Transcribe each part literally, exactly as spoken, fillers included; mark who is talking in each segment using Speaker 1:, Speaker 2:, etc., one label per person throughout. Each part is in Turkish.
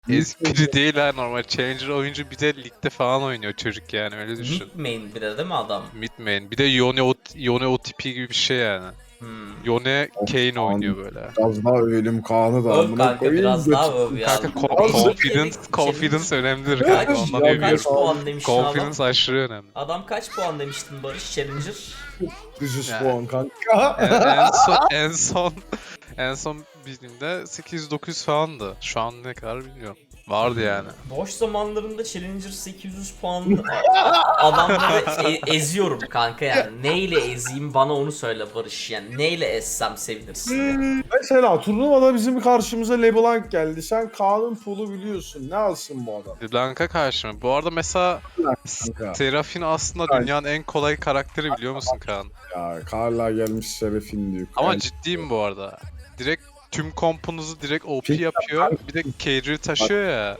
Speaker 1: ezik biri değil ha, normal Challenger oyuncu, bir de ligde falan oynuyor çocuk yani, öyle düşün.
Speaker 2: Mid main bir de değil mi adam?
Speaker 1: Mid main. Bir de Yone, o, Yone O T P gibi bir şey yani.
Speaker 2: Hmm.
Speaker 1: Yone Kayn oynuyor böyle.
Speaker 3: Biraz daha övelim Kaan'ı da
Speaker 2: Öv
Speaker 3: amına
Speaker 2: kanka
Speaker 3: koyayım.
Speaker 2: biraz daha öv ya.
Speaker 1: Kanka co-
Speaker 3: Abi,
Speaker 1: confidence,
Speaker 2: Challenger-
Speaker 1: confidence önemlidir
Speaker 2: Kaç,
Speaker 1: kanka, ondan
Speaker 3: Ya,
Speaker 2: kaç
Speaker 1: övüyorum.
Speaker 2: puan demiştin adam?
Speaker 1: Confidence aşırı önemli.
Speaker 2: Adam kaç puan demiştin Barış Challenger?
Speaker 3: dokuz yüz
Speaker 1: Yani.
Speaker 3: puan kanka.
Speaker 1: En, en son en son en son bildiğimde sekiz yüz dokuz yüz falandı. Şu an ne kadar bilmiyorum. Vardı yani.
Speaker 2: Boş zamanlarında Challenger sekiz yüz puanlı a- adamları e- eziyorum kanka yani. Neyle ezeyim bana onu söyle Barış yani. Neyle ezsem sevinirsin.
Speaker 3: Mesela turnuvada bizim karşımıza LeBlanc geldi. Sen Kaan'ın pool'u biliyorsun. Ne alsın bu adam?
Speaker 1: Blanka karşı mı? Bu arada mesela
Speaker 3: Kanka.
Speaker 1: Seraphine aslında
Speaker 3: Kanka.
Speaker 1: dünyanın en kolay karakteri, biliyor musun Kaan?
Speaker 3: Ya Karla gelmiş Serafin diyor.
Speaker 1: Ama
Speaker 3: Yani
Speaker 1: ciddiyim bu arada. Direkt tüm kompunuzu direkt O P
Speaker 3: Peki,
Speaker 1: yapıyor. Bir de carry taşıyor ya.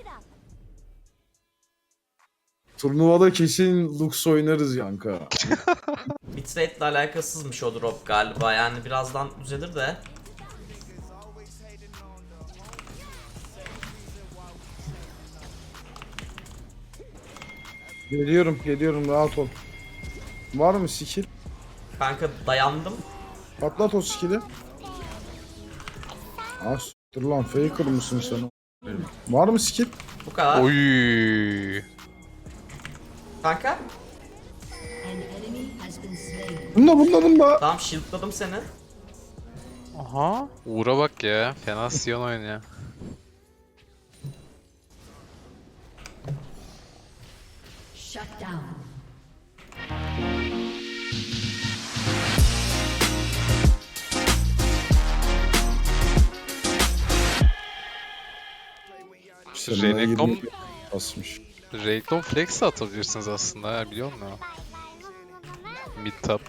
Speaker 3: turnuvada kesin Lux oynarız kanka.
Speaker 2: Bitrate ile alakasızmış o drop galiba yani birazdan düzelir de.
Speaker 3: Geliyorum geliyorum rahat ol. Var mı skill?
Speaker 2: Kanka dayandım.
Speaker 3: Patlat o skill'i. As. Dur lan faker mısın sen? Var mı skill?
Speaker 2: Bu kadar.
Speaker 1: Oy.
Speaker 2: Kanka
Speaker 4: An enemy has been slain.
Speaker 3: Bunda bunda bunda.
Speaker 2: tamam shieldladım seni.
Speaker 1: Aha. Uğur'a bak ya. Fena Sion oynuyor.
Speaker 4: Shut down.
Speaker 3: Senin
Speaker 1: Renekton,
Speaker 3: yirmi basmış.
Speaker 1: Renekton flex de atabilirsiniz aslında ya, biliyor musun? Mid top.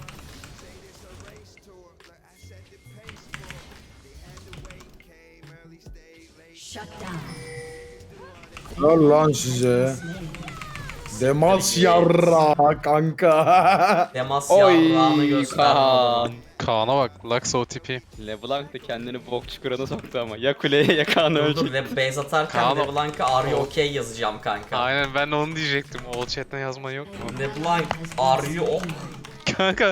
Speaker 4: Shut down.
Speaker 3: Ver lan size. Demas yarra kanka.
Speaker 2: Demas
Speaker 5: Oy
Speaker 2: yarrağını gösterdim
Speaker 5: Kaan.
Speaker 2: adamın.
Speaker 1: Kaan'a bak. Lux O T P.
Speaker 5: LeBlanc da kendini bok çukuruna soktu ama. Ya kuleye ya Kaan'ı
Speaker 2: Dur dur
Speaker 5: ölecek.
Speaker 2: ve base atarken
Speaker 1: Kaan-
Speaker 2: LeBlanc'a are you okay yazacağım kanka.
Speaker 1: Aynen, ben de onu diyecektim. O chat'ten yazman yok mu?
Speaker 2: LeBlanc are you okay?
Speaker 1: Kanka.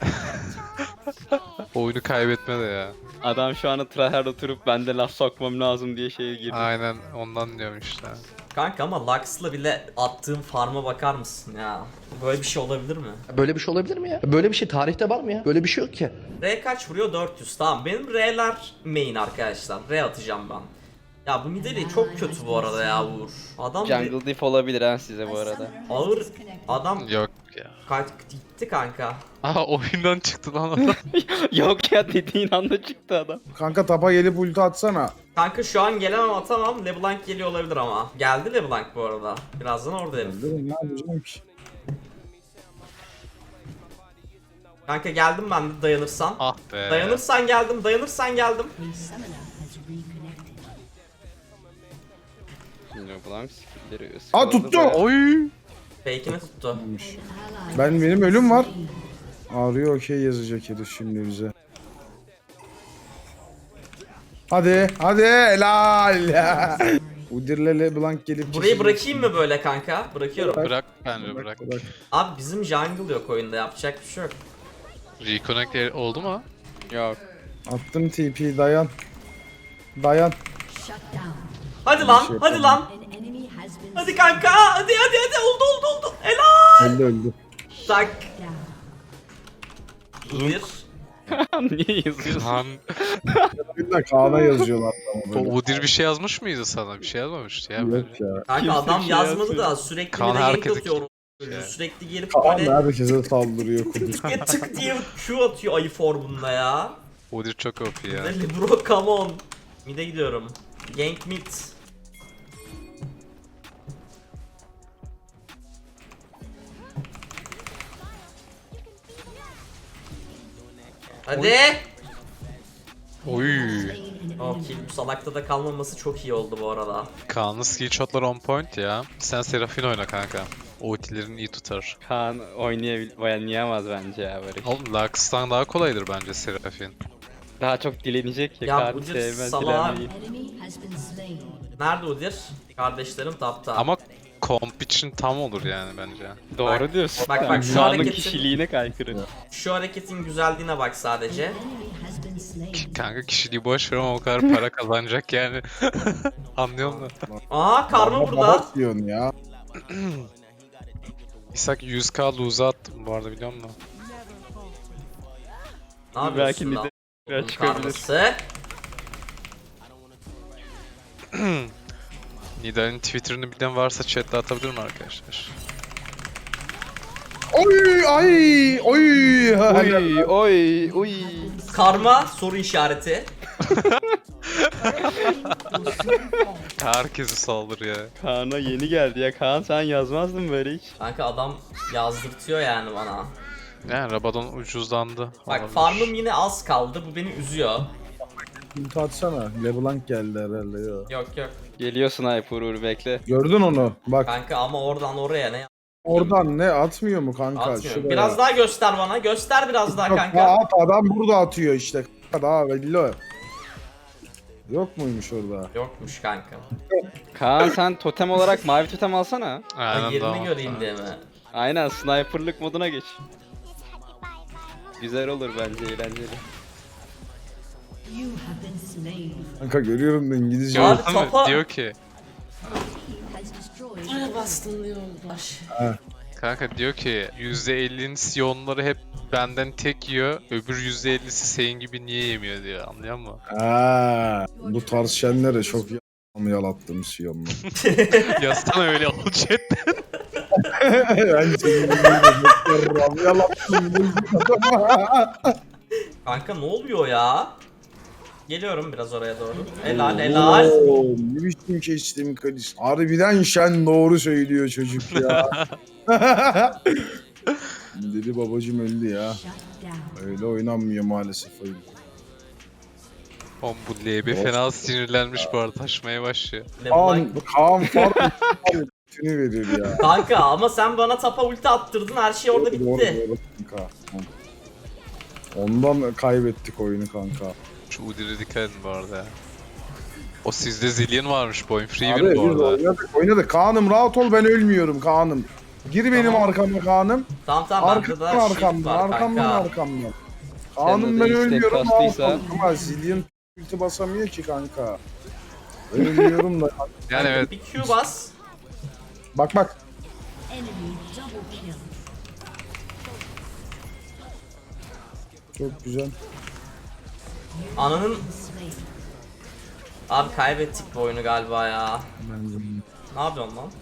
Speaker 1: Oyunu kaybetme de ya.
Speaker 5: Adam şu anda tryhard oturup ben de laf sokmam lazım diye şeye girdi.
Speaker 1: Aynen ondan diyorum işte.
Speaker 2: Kanka ama Lux'la bile attığım farm'a bakar mısın ya? Böyle bir şey olabilir mi?
Speaker 6: Böyle bir şey olabilir mi ya? Böyle bir şey tarihte var mı ya? Böyle bir şey yok ki.
Speaker 2: R kaç vuruyor? dört yüz. Tamam benim R'ler main arkadaşlar. R atacağım ben. Ya bu Nidalee çok kötü bu arada ya Uğur. Adam bir
Speaker 5: Jungle diff olabilir ha size bu arada.
Speaker 2: ağır adam
Speaker 1: Yok ya.
Speaker 2: kaç gitti kanka.
Speaker 1: Aha, oyundan çıktı lan adam.
Speaker 5: Yok ya dediğin anda çıktı adam.
Speaker 3: Kanka tapa gelip ulti atsana.
Speaker 2: Kanka şu an gelemem atamam. LeBlanc geliyor olabilir ama. Geldi LeBlanc bu arada. Birazdan oradayım.
Speaker 3: Dedim ne yapacağım ki?
Speaker 2: Kanka geldim ben de dayanırsan.
Speaker 1: Ah be.
Speaker 2: Dayanırsan geldim, dayanırsan geldim.
Speaker 4: A summoner has reconnected.
Speaker 5: LeBlanc skillleri
Speaker 3: Aa, tuttu.
Speaker 1: Oy.
Speaker 2: Fake'ini tuttu.
Speaker 4: Ally
Speaker 3: Ben benim ölüm var.
Speaker 4: slain.
Speaker 3: Ağrıyor okey yazacak herif şimdi bize. Hadi hadi helal. Udir'le LeBlanc gelip
Speaker 2: Burayı bırakayım mı böyle kanka? Bırakıyorum.
Speaker 1: Bırak bence bırak.
Speaker 3: Bırak.
Speaker 2: Abi bizim jungle yok oyunda yapacak bir şey yok.
Speaker 1: Reconnect oldu mu?
Speaker 5: Yok.
Speaker 3: Attım T P dayan. Dayan.
Speaker 4: Shut down.
Speaker 2: Hadi lan,
Speaker 3: şey
Speaker 2: hadi lan.
Speaker 4: An enemy has been
Speaker 2: Hadi kanka, hadi hadi hadi oldu oldu oldu. Helal.
Speaker 3: Öldü öldü.
Speaker 2: Tak.
Speaker 4: down.
Speaker 2: Bir.
Speaker 5: Niye yazıyorsun?
Speaker 1: Kaan.
Speaker 3: Bir de Kaan'a yazıyorlar.
Speaker 1: O
Speaker 3: Böyle.
Speaker 1: Udyr bir şey yazmış mıydı sana? Bir şey yazmamıştı ya. böyle.
Speaker 3: Yok ya.
Speaker 2: Kanka
Speaker 5: Kimse
Speaker 2: adam
Speaker 5: bir şey
Speaker 2: yazmadı
Speaker 5: yazmıyor.
Speaker 2: da sürekli
Speaker 1: Kaan
Speaker 2: bir de gank
Speaker 1: herkese
Speaker 2: atıyor.
Speaker 1: kim-
Speaker 2: Sürekli gelip
Speaker 3: Kaan
Speaker 2: böyle
Speaker 3: herkese saldırıyor kuduz.
Speaker 2: tık tık diye Q atıyor ayı formunda ya.
Speaker 1: Udyr çok O P ya.
Speaker 2: Deli bro come on. Mid'e gidiyorum. Gank mid. Hadi.
Speaker 1: Oy.
Speaker 4: Slain an
Speaker 2: O
Speaker 4: enemy.
Speaker 2: kill bu salakta da kalmaması çok iyi oldu bu arada.
Speaker 1: Kaan'ın skill shot'lar on point ya. Sen Seraphine oyna kanka. Ultilerini iyi tutar.
Speaker 5: Kaan oynayabil oynayamaz bence ya Barış.
Speaker 1: Oğlum Lux'tan daha kolaydır bence Seraphine.
Speaker 5: Daha çok dilenecek ya,
Speaker 2: Ya
Speaker 5: Kaan
Speaker 2: bu cır
Speaker 5: sevmez
Speaker 2: salağa-
Speaker 5: dilenmeyi.
Speaker 4: Enemy has been slain.
Speaker 2: Nerede Udyr? Kardeşlerim tapta.
Speaker 1: Ama komp için tam olur yani bence.
Speaker 5: Doğru diyorsun.
Speaker 2: Bak, bak, şu
Speaker 5: Kaan'ın
Speaker 2: hareketi-
Speaker 5: kişiliğine kaykırı.
Speaker 2: Şu hareketin güzelliğine bak sadece.
Speaker 4: Enemy has been slain.
Speaker 1: Kanka kişiliği boş ver ama o kadar para kazanacak yani. Anlıyor musun?
Speaker 2: Aa karma
Speaker 3: Baba
Speaker 2: burada.
Speaker 3: baba diyorsun ya.
Speaker 1: İshak yüz k lose'a attım bu arada biliyor musun?
Speaker 2: Ne yapıyorsun
Speaker 5: Belki
Speaker 2: lan?
Speaker 5: Nida
Speaker 2: Bunun
Speaker 5: çıkabilir.
Speaker 2: karması.
Speaker 1: Nidal'in Twitter'ını bilen varsa chat'te atabilir mi arkadaşlar?
Speaker 3: Oy ay oy.
Speaker 5: Oy oy oy.
Speaker 2: Karma soru işareti.
Speaker 1: Herkesi saldır ya.
Speaker 5: Kaan'a yeni geldi ya. Kaan sen yazmazdın böyle hiç.
Speaker 2: Kanka adam yazdırtıyor yani bana.
Speaker 1: Yani Rabadon ucuzlandı.
Speaker 2: Bak
Speaker 1: Olabilir.
Speaker 2: farmım yine az kaldı. Bu beni üzüyor.
Speaker 3: Ulti atsana. LeBlanc geldi herhalde ya.
Speaker 2: Yok yok.
Speaker 5: Geliyor sniper Uğur bekle.
Speaker 3: Gördün onu. Bak
Speaker 2: Kanka ama oradan oraya ne
Speaker 3: oradan ne atmıyor mu kanka?
Speaker 2: atmıyorum.
Speaker 3: Şuraya.
Speaker 2: Biraz daha göster bana. Göster biraz daha
Speaker 3: Yok,
Speaker 2: kanka.
Speaker 3: daha at, adam burada atıyor işte. Daha belli o. Yok muymuş orada?
Speaker 2: Yokmuş kanka.
Speaker 5: Kaan sen totem olarak mavi totem alsana.
Speaker 1: Aynen
Speaker 2: Ha, yerini
Speaker 1: daha-
Speaker 2: göreyim diye mi?
Speaker 5: Aynen sniperlık moduna geç. Güzel olur bence eğlenceli.
Speaker 4: You have been slain.
Speaker 3: Kanka görüyorum da İngilizce.
Speaker 2: Abi
Speaker 1: Gördün mü?
Speaker 2: topa-
Speaker 1: Diyor ki
Speaker 4: Team has destroyed.
Speaker 2: Buraya bastın diyorlar.
Speaker 1: kanka diyor ki yüzde ellinin siyonları hep benden tek yiyor. Öbür yüzde ellisi senin gibi niye yemiyor diyor. Anlıyor musun?
Speaker 3: Ha, bu tarz şenlere çok y- yalattım siyonla.
Speaker 1: Yazsana öyle ol chatte.
Speaker 3: Ben senin gibi yalattım.
Speaker 2: Kanka ne oluyor ya? Geliyorum biraz oraya doğru. Helal helal.
Speaker 3: Oo, ne biçim kestim kalis. Harbiden şen doğru söylüyor çocuk ya. Dedi babacım öldü ya.
Speaker 4: Shut down.
Speaker 3: Öyle oynanmıyor maalesef oyun.
Speaker 1: Oğlum bu L B fena sinirlenmiş bu arada taşmaya başlıyor.
Speaker 2: LeBlanc.
Speaker 3: Kaan, Kaan fark bütünü verir ya.
Speaker 2: Kanka ama sen bana tapa ulti attırdın her şey orada
Speaker 3: Doğru,
Speaker 2: bitti.
Speaker 3: doğru kanka. Ondan kaybettik oyunu kanka.
Speaker 1: Şu Udir'e dikkat edin bu arada ya. O sizde zillion varmış bu oyun. Free
Speaker 3: Abi
Speaker 1: win
Speaker 3: biz
Speaker 1: bu arada.
Speaker 3: oynadık, oynadık. Kaan'ım rahat ol, ben ölmüyorum Kaan'ım. Gir benim
Speaker 2: Tamam.
Speaker 3: arkama Kaan'ım.
Speaker 2: Tamam tamam bende
Speaker 3: Arkamdan
Speaker 2: daha shield
Speaker 3: arkamdan,
Speaker 2: var
Speaker 3: arkamdan
Speaker 2: kanka.
Speaker 3: arkamdan. Kaan'ım
Speaker 5: de
Speaker 3: ben
Speaker 5: istek
Speaker 3: ölmüyorum rahat
Speaker 5: kastıysa-
Speaker 3: ol. Ama Zillion ulti basamıyor ki kanka. Ölmüyorum da.
Speaker 1: Yani evet.
Speaker 2: Bir Q bas.
Speaker 3: Bak bak.
Speaker 4: Enemy double kill.
Speaker 3: Çok güzel.
Speaker 2: Ananın...
Speaker 4: Slain.
Speaker 2: Abi kaybettik bu oyunu galiba ya.
Speaker 3: Bence.
Speaker 2: Ne yapıyorsun lan?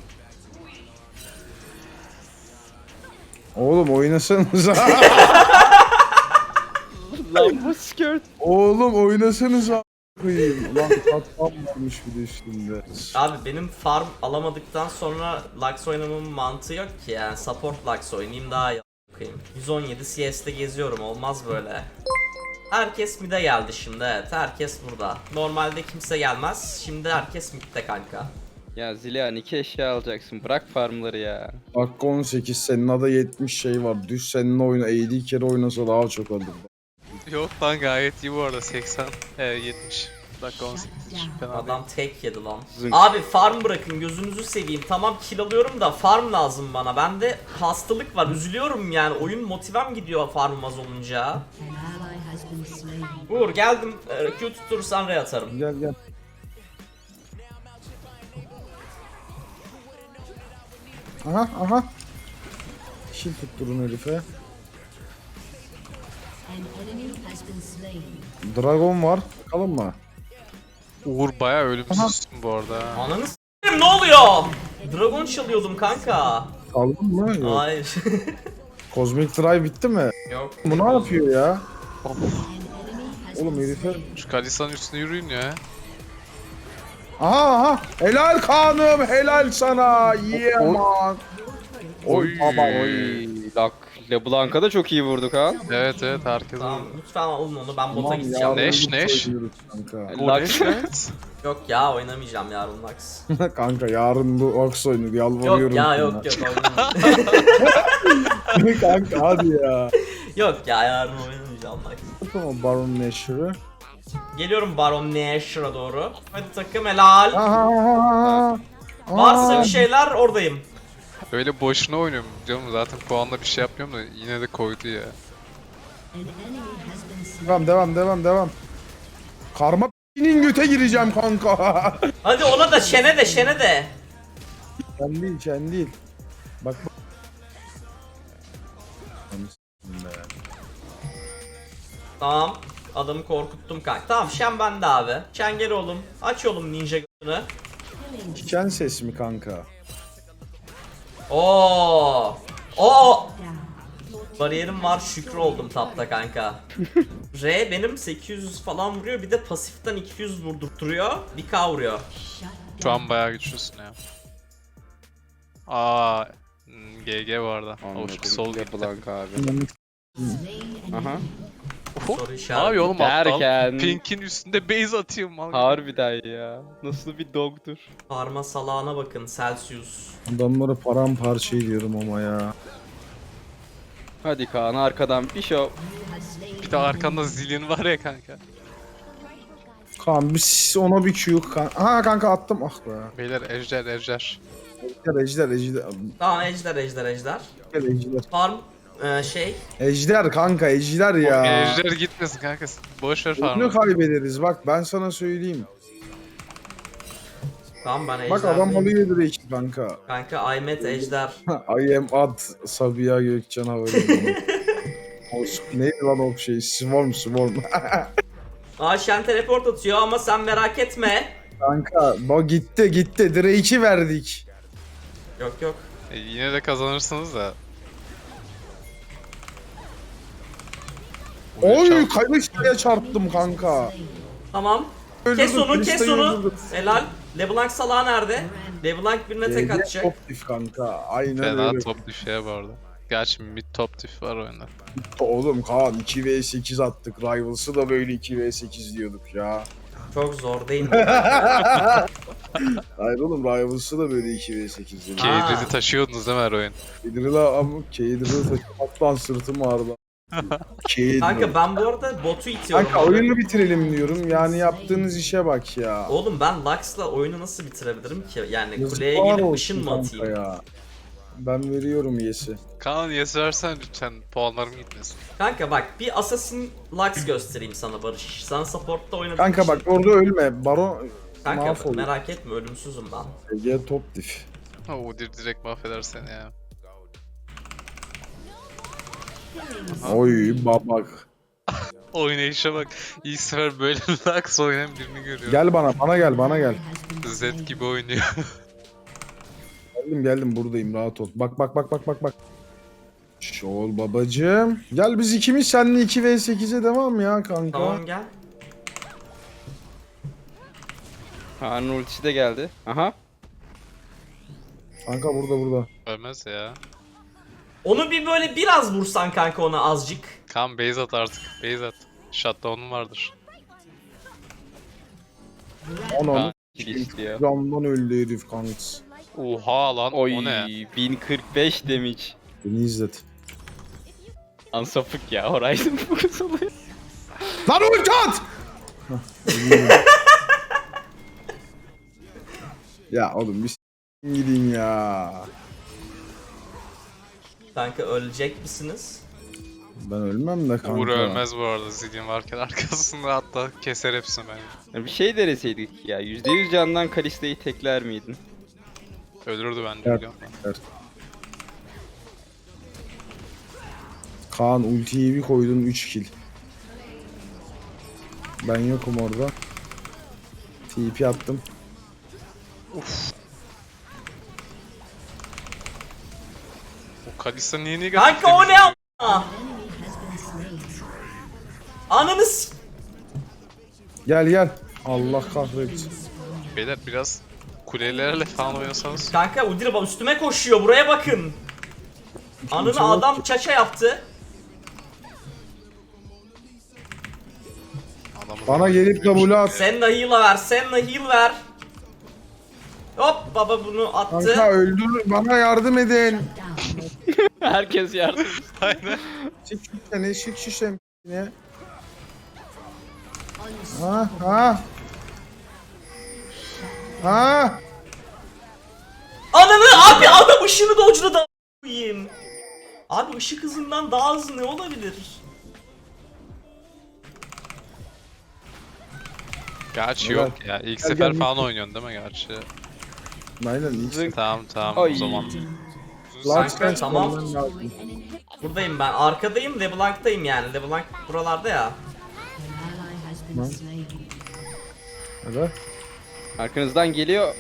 Speaker 3: Oğlum oynasanıza.
Speaker 5: Lan bu skirt.
Speaker 3: Oğlum oynasanıza. Koyayım. Ulan katman varmış bir de üstünde.
Speaker 2: Abi benim farm alamadıktan sonra Lux oynamamın mantığı yok ki yani. Support Lux oynayayım daha iyi a**ayım. yüz on yedi C S'te geziyorum, olmaz böyle. Herkes mid'e geldi şimdi, evet herkes burada. Normalde kimse gelmez, şimdi herkes mid'de kanka.
Speaker 5: Ya Zilyan iki eşya alacaksın. Bırak farmları ya.
Speaker 3: Dakika on sekiz, senin ada yetmiş şey var. Düz seninle oyna, elli kere oynasa daha çok alır.
Speaker 1: Yok lan gayet iyi bu arada seksen, e, yetmiş. Dakika on sekiz için fena değil.
Speaker 2: Adam tek yedi lan.
Speaker 5: Zınk.
Speaker 2: Abi farm bırakın, gözünüzü seveyim. Tamam kill alıyorum da farm lazım bana. Bende hastalık var, üzülüyorum yani. Oyun motivem gidiyor farmım az olunca.
Speaker 4: An ally has been slain.
Speaker 2: Uğur geldim, Ee, Q tutturursan Ray atarım.
Speaker 3: Gel gel. Aha aha. Şil tutturun herife.
Speaker 4: An enemy has been slain.
Speaker 3: Dragon var. Bakalım mı?
Speaker 1: Uğur bayağı ölümsüzsün bu arada. ha.
Speaker 2: Ananı s**eyim, ne oluyor? Dragon çalıyordum kanka.
Speaker 3: Kaldın mı? Yok.
Speaker 2: Hayır.
Speaker 3: Cosmic Drive bitti mi?
Speaker 2: Yok.
Speaker 3: Bu ne yapıyor ya?
Speaker 4: An enemy has
Speaker 3: Oğlum
Speaker 4: been
Speaker 3: herife.
Speaker 4: slain.
Speaker 1: Şu Kalisa'nın üstüne yürüyün ya.
Speaker 3: Aha aha. Helal Kaan'ım. Helal sana. Yeah man. Oy baba.
Speaker 5: Oy. Lak. LeBlanc'a da çok iyi vurduk ha.
Speaker 1: Evet evet herkes
Speaker 2: Tamam
Speaker 1: vurdu.
Speaker 2: lütfen alın onu, ben bota
Speaker 3: Tamam,
Speaker 2: gideceğim.
Speaker 3: yarın
Speaker 1: Neş,
Speaker 3: bu
Speaker 1: neş.
Speaker 3: oynuyoruz Kanka.
Speaker 1: Bu
Speaker 5: Lux.
Speaker 1: ne evet.
Speaker 2: Yok ya oynamayacağım yarın Lux.
Speaker 3: Kanka yarın bu Ox oyunu yalvarıyorum.
Speaker 2: Yok ya
Speaker 3: sana.
Speaker 2: yok yok oynamayacağım.
Speaker 3: Kanka hadi ya.
Speaker 2: Yok ya yarın oynamayacağım Lux.
Speaker 3: Tamam Baron Nashor'ı.
Speaker 2: Geliyorum Baron Nashor'a doğru. Hadi takım helal.
Speaker 3: Aha.
Speaker 2: Varsa bir şeyler oradayım.
Speaker 1: Öyle boşuna oynuyorum canım, zaten puanla bir şey yapmıyorum da yine de koydu ya.
Speaker 4: An enemy has been slain.
Speaker 3: Devam devam devam devam. Karma p***nin göte gireceğim kanka.
Speaker 2: Hadi ona da şene de şene de.
Speaker 3: Sen değil sen değil. Bak bak.
Speaker 2: Tamam. Adamı korkuttum kanka. Tamam Shen bende abi. Shen gel oğlum. Aç oğlum ninja g***ını.
Speaker 3: Diken ses mi kanka?
Speaker 2: Oo. Oo. Bariyerim var, şükür oldum tapta kanka. R benim sekiz yüz falan vuruyor, bir de pasiften iki yüz vurdurturuyor. bir K vuruyor.
Speaker 1: Şu an bayağı güçlüsün ya. Aa, hmm, G G bu arada. Of, sol gitti.
Speaker 5: LeBlanc abi.
Speaker 4: Slain an
Speaker 5: Aha.
Speaker 4: enemy.
Speaker 2: Soru
Speaker 1: Ne
Speaker 2: işareti.
Speaker 1: yapıyor oğlum aptal?
Speaker 5: Derken-
Speaker 1: Pink'in üstünde base atıyorum mal.
Speaker 5: Harbiden ya. Nasıl bir dogdur.
Speaker 2: Parma salağına bakın, Celsius.
Speaker 3: Adamları paramparça ediyorum ama ya.
Speaker 5: Hadi Kaan arkadan bir şov.
Speaker 1: Bir de arkanda zilin var ya kanka.
Speaker 3: Kaan biz ona bir Q kan. Ha kanka attım ah be.
Speaker 1: Beyler ejder ejder.
Speaker 3: Ejder ejder ejder.
Speaker 2: Tamam ejder ejder ejder.
Speaker 3: Ejder ejder.
Speaker 2: Farm e, şey.
Speaker 3: Ejder kanka ejder ya.
Speaker 1: Ejder gitmesin kanka. Boş ver
Speaker 3: Bunu
Speaker 1: farmı.
Speaker 3: kaybederiz bak ben sana söyleyeyim.
Speaker 2: Tamam ben ejder.
Speaker 3: Bak adam
Speaker 2: değilim.
Speaker 3: alıyor direkt kanka.
Speaker 2: Kanka I met ejder.
Speaker 3: I am ad Sabiha Gökçen Havalimanı. Olsun. Neydi lan o şey? Swarm Swarm.
Speaker 2: Aa Shen teleport atıyor ama sen merak etme.
Speaker 3: Kanka bak gitti gitti. Drake'i verdik.
Speaker 2: Yok yok.
Speaker 1: E, yine de kazanırsınız da.
Speaker 3: Oy Kayışta'ya çarptım kanka.
Speaker 2: Tamam. Kes
Speaker 3: Öldürdüm,
Speaker 2: onu kes
Speaker 3: Krista'yı
Speaker 2: onu.
Speaker 3: öldürdüm.
Speaker 2: Helal. LeBlanc salağı nerede? LeBlanc birine tek
Speaker 3: Ee,
Speaker 2: atacak.
Speaker 3: Top diff kanka. Aynen
Speaker 1: Fena
Speaker 3: öyle.
Speaker 1: top düşüyor bu arada. Gerçi mid top diff var oyunda.
Speaker 3: Oğlum Kaan iki ve sekiz attık. Rivals'ı da böyle iki ve sekiz diyorduk ya.
Speaker 2: Çok zor değil mi?
Speaker 3: Hayır oğlum Rivals'ı da böyle iki ve sekiz diyorduk.
Speaker 2: Aa.
Speaker 1: Cade'leri taşıyordunuz değil mi her oyun?
Speaker 3: Kedrila ama Kedrila taşımaktan sırtım ağrıdı. Kedrila.
Speaker 2: Kanka ben bu arada botu itiyorum.
Speaker 3: Kanka oyunu bitirelim diyorum. Yani yaptığınız işe bak ya.
Speaker 2: Oğlum ben Lux'la oyunu nasıl bitirebilirim ki? Yani kuleye
Speaker 3: Yazıklar
Speaker 2: gelip
Speaker 3: olsun
Speaker 2: ışın mı
Speaker 3: kanka
Speaker 2: atayım?
Speaker 3: ya. Ben veriyorum yesi.
Speaker 1: Kaan yes versen lütfen, puanlarım gitmesin.
Speaker 2: Kanka bak bir Assassin Lux göstereyim sana Barış. Sen support'ta oynadığın
Speaker 3: Kanka
Speaker 2: için-
Speaker 3: bak orada ölme. Baron
Speaker 2: Kanka
Speaker 3: mahvolur.
Speaker 2: merak etme ölümsüzüm ben.
Speaker 3: Ege top diff.
Speaker 1: Ha, Udyr direkt mahveder seni ya.
Speaker 3: Oy babak.
Speaker 1: Oynayışa bak. İlk sefer böyle Lux oynayan birini görüyorum.
Speaker 3: Gel bana, bana gel, bana gel.
Speaker 1: Z gibi oynuyor.
Speaker 3: Geldim geldim buradayım rahat ol. Bak bak bak bak bak bak. Şol babacım. Gel biz ikimiz seninle iki ve sekize devam ya kanka.
Speaker 2: Tamam gel.
Speaker 5: Kaan'ın ultisi de geldi. Aha.
Speaker 3: Kanka burada burada.
Speaker 1: Ölmez ya.
Speaker 2: Onu bir böyle biraz vursan kanka ona azıcık.
Speaker 1: Kaan base at artık. Base at. Shutdown'un vardır.
Speaker 3: Onu
Speaker 5: Kaan geçti ya.
Speaker 3: camdan öldü herif kanks.
Speaker 1: Oha lan
Speaker 5: Oy
Speaker 1: o ne?
Speaker 5: bin kırk beş damage.
Speaker 3: Beni izlet.
Speaker 5: Ansapık ya Horizon fokus oluyor.
Speaker 3: Lan ulti at! Ya oğlum bir s**in gidin ya.
Speaker 2: Kanka ölecek misiniz?
Speaker 3: Ben ölmem de kanka.
Speaker 1: Uğur ölmez bu arada, Zillion varken arkasında, hatta keser hepsini bence.
Speaker 5: Ya bir şey deneseydik ya. yüzde yüz candan Kalista'yı tekler miydin?
Speaker 1: Ölürdü bence
Speaker 3: Evet.
Speaker 1: biliyorum ben.
Speaker 3: Evet. Kaan ultiyi bir koydun üç kill. Ben yokum orada. T P attım.
Speaker 1: O Kalista niye negatif
Speaker 2: Kanka o ne
Speaker 1: demiş?
Speaker 2: a**a? Ananı s-
Speaker 3: Gel gel. Allah kahretsin.
Speaker 1: Beyler biraz kulelerle falan oynasanız.
Speaker 2: Kanka Udyr bak üstüme koşuyor buraya bakın. Anını
Speaker 3: Kimse yok
Speaker 2: adam
Speaker 3: ki.
Speaker 2: çaça yaptı.
Speaker 1: Adamı
Speaker 3: Bana gelip W at.
Speaker 2: Sen de heal'a ver, sen de heal ver. Hop baba bunu attı.
Speaker 3: Kanka öldür. Bana yardım edin.
Speaker 5: Herkes yardım.
Speaker 1: Aynen.
Speaker 3: Çık şişene, çık şişem. Ne? Ha ha. Ha.
Speaker 2: Ananı abi adam ışını dodge'ladı da koyayım. Abi ışık hızından daha hızlı ne olabilir?
Speaker 1: Gerçi
Speaker 3: Helal.
Speaker 1: yok ya. İlk
Speaker 3: Gel,
Speaker 1: sefer
Speaker 3: gel,
Speaker 1: falan
Speaker 3: gel.
Speaker 1: oynuyorsun değil mi gerçi?
Speaker 3: Aynen ilk
Speaker 5: Zınk.
Speaker 1: Tamam tamam
Speaker 5: Ay.
Speaker 1: o zaman.
Speaker 3: Lux
Speaker 2: Kanka, tamam.
Speaker 3: Lux lazım.
Speaker 2: Buradayım ben. Arkadayım. LeBlanc'tayım yani. LeBlanc buralarda ya.
Speaker 4: An ally has been slain.
Speaker 3: Hadi.
Speaker 5: Arkanızdan geliyor.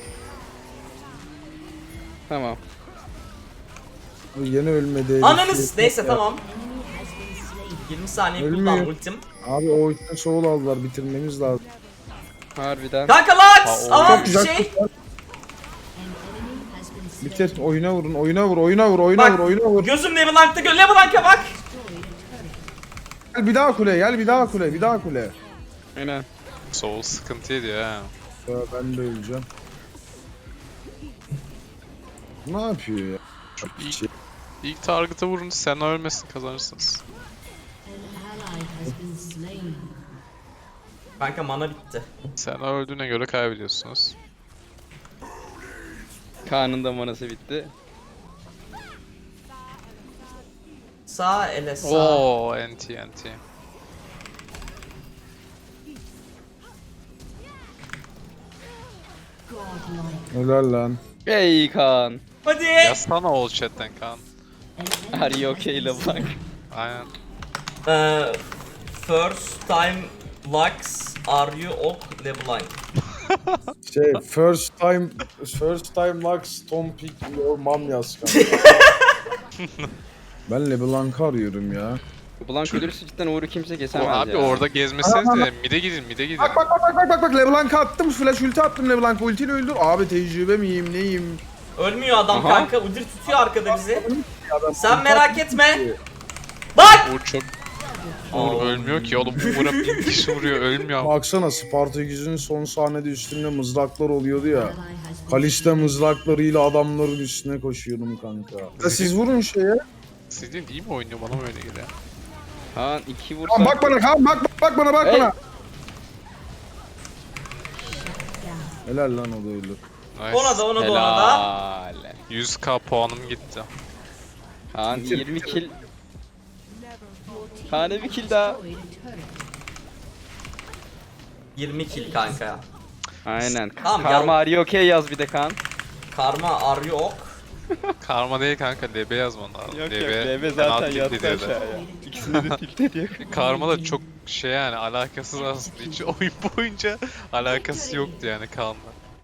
Speaker 5: Tamam.
Speaker 3: Abi yine ölmedi.
Speaker 2: Ananız. Neyse tamam.
Speaker 4: Enemy has been slain.
Speaker 2: yirmi saniye
Speaker 3: Ölmüyor.
Speaker 2: kullan ultim.
Speaker 3: Abi o yüzden soul aldılar, bitirmemiz lazım.
Speaker 5: Harbiden.
Speaker 2: Kanka
Speaker 1: Ha,
Speaker 2: Lux!
Speaker 1: o-
Speaker 2: Aman
Speaker 3: Çok güzel.
Speaker 2: şey.
Speaker 4: An enemy has been slain.
Speaker 3: Bitir. Oyuna vurun. Oyuna vur. Oyuna vur. Oyuna
Speaker 2: Bak
Speaker 3: vur. Oyuna vur.
Speaker 2: gözüm LeBlanc'ta gö LeBlanc'a bak.
Speaker 3: Gel bir daha kule. Gel bir daha kule. Bir daha kule.
Speaker 5: Aynen.
Speaker 1: Soul sıkıntı ediyor ha.
Speaker 3: Ya ben de öleceğim. Ne yapıyor ya?
Speaker 1: Çok iyi.
Speaker 3: Şey-
Speaker 1: İlk target'a vurun sen ölmesin kazanırsınız.
Speaker 4: An ally has been slain.
Speaker 2: Kanka mana bitti.
Speaker 1: Sen öldüğüne göre kaybediyorsunuz.
Speaker 5: Kaan'ın da manası bitti.
Speaker 2: Sağ ele sağ.
Speaker 1: Oo anti anti.
Speaker 4: Godlike.
Speaker 3: Helal lan.
Speaker 5: Ey Kaan.
Speaker 2: Hadi.
Speaker 1: Yazsana ol chatten Kaan.
Speaker 4: An
Speaker 5: Are you okay LeBlanc?
Speaker 1: Aynen.
Speaker 2: Ee, first time Lux are you ok LeBlanc?
Speaker 3: Şey first time first time Lux Tom Pick your mom yaz kanka. Ben LeBlanc'ı arıyorum ya.
Speaker 5: LeBlanc ölürse cidden Uğur'u kimse
Speaker 1: O
Speaker 5: kesemez
Speaker 1: abi
Speaker 5: ya.
Speaker 1: orada gezmeseniz de mide gidin mide gidin.
Speaker 3: Bak bak bak bak bak bak bak LeBlanc'ı attım, flash ulti attım LeBlanc ultiyle öldür. Abi tecrübe miyim neyim?
Speaker 2: Ölmüyor adam
Speaker 5: Aha.
Speaker 2: kanka. Udyr tutuyor arkada bizi.
Speaker 3: Adam
Speaker 2: Sen merak etme. Bak!
Speaker 1: Uğur çok... Uğur ölmüyor ki oğlum. Uğur'a bin kişi vuruyor ölmüyor.
Speaker 3: Baksana Spartaküs'ün son sahnede üstünde mızraklar oluyordu ya.
Speaker 4: ally has been
Speaker 3: Kalista mızraklarıyla adamların üstüne koşuyordum kanka. Ya siz vurun şeye.
Speaker 1: Sizin iyi mi oynuyor bana mı öyle geliyor?
Speaker 5: Kaan iki vursa...
Speaker 3: Kaan bak bana Kaan bak bak, bak bana bak
Speaker 5: Hey.
Speaker 3: bana. Helal lan o da öldü.
Speaker 1: Nice.
Speaker 2: Ona da ona da ona da.
Speaker 5: Helal.
Speaker 1: yüz k puanım gitti.
Speaker 5: Kaan
Speaker 3: Bitir,
Speaker 5: yirmi
Speaker 3: bitir.
Speaker 5: kill. Kaan'a bir kill daha.
Speaker 4: destroyed a turret.
Speaker 2: yirmi kill kanka.
Speaker 5: Aynen.
Speaker 2: Tamam,
Speaker 5: Karma
Speaker 2: gel.
Speaker 5: are you okay yaz bir de Kaan.
Speaker 2: Karma are you ok?
Speaker 1: Karma değil kanka L B yazman lazım.
Speaker 5: Yok
Speaker 1: L
Speaker 5: yok
Speaker 1: B
Speaker 5: L B
Speaker 1: fena
Speaker 5: zaten
Speaker 1: tilt
Speaker 5: yattı
Speaker 1: ediyor da.
Speaker 5: aşağıya. İkisini de tilt ediyor.
Speaker 1: Karma da çok şey yani alakasız aslında hiç oyun boyunca alakası yoktu yani Kaan'la.